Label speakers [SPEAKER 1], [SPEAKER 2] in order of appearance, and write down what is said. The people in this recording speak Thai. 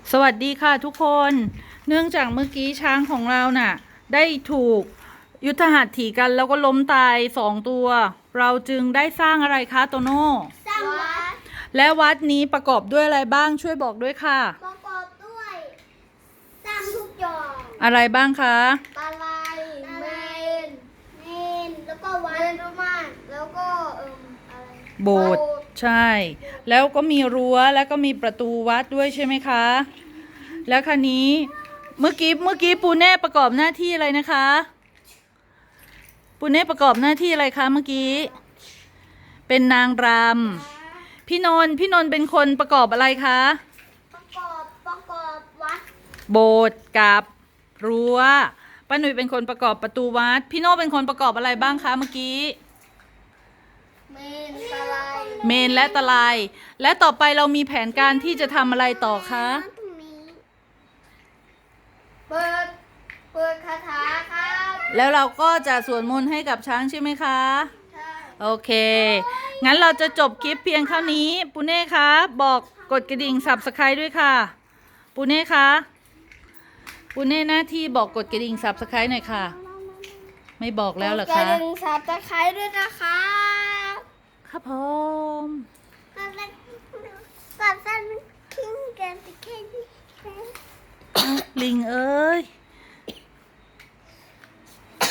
[SPEAKER 1] สวัสดีค่ะทุกคนเนื่องจากเมื่อกี้ช้างของเราน่ะได้ถูกยุทธหัตถีกันแล้วก็ล้มตาย2 ตัวเราจึงได้สร้างอะไรคะโตโน่
[SPEAKER 2] สร้างวัด
[SPEAKER 1] และวัดนี้ประกอบด้วยอะไรบ้างช่วยบอกด้วยค่ะ
[SPEAKER 2] ประกอบด้วยสร้างทุกอย่าง
[SPEAKER 1] อะไรบ้างคะ
[SPEAKER 2] ตะไลเมนแล้วก็วัดรุมานแล้วก็อะไร
[SPEAKER 1] โบสถ์ใช่แล้วก็มีรั้วแล้วก็มีประตูวัดด้วยใช่ไหมคะแล้วคันนี้เมื่อกี้ปูเน่ประกอบหน้าที่อะไรนะคะปูเน่ประกอบหน้าที่อะไรคะเมื่อกี้เป็นนางรำพี่นนท์เป็นคนประกอบอะไรคะ
[SPEAKER 2] ประกอบวัด
[SPEAKER 1] โบสถ์กับรั้วป้าหนุ่ยเป็นคนประกอบประตูวัดพี่โน่เป็นคนประกอบอะไรบ้างคะเมื่อกี้
[SPEAKER 2] เมนตะไล
[SPEAKER 1] เมนและตะไลและต่อไปเรามีแผนการที่จะทำอะไรต่อคะ
[SPEAKER 2] เปิดคาถาครับ
[SPEAKER 1] แล้วเราก็จะสวดมนต์ให้กับช้างใช่ไหมคะ
[SPEAKER 2] ใช่
[SPEAKER 1] โอเคงั้นเราจะจบคลิปเพียงเท่านี้ปูเน่คะบอกกดกระดิ่ง Subscribe ด้วยค่ะปูเน่คะปูเน่หน้าที่บอกกดกระดิ่ง Subscribe หน่อยค่ะไม่บอกแล้วเหรอคะ
[SPEAKER 2] กดกระดิ่ง Subscribe ด้วยนะคะ
[SPEAKER 1] ครับผม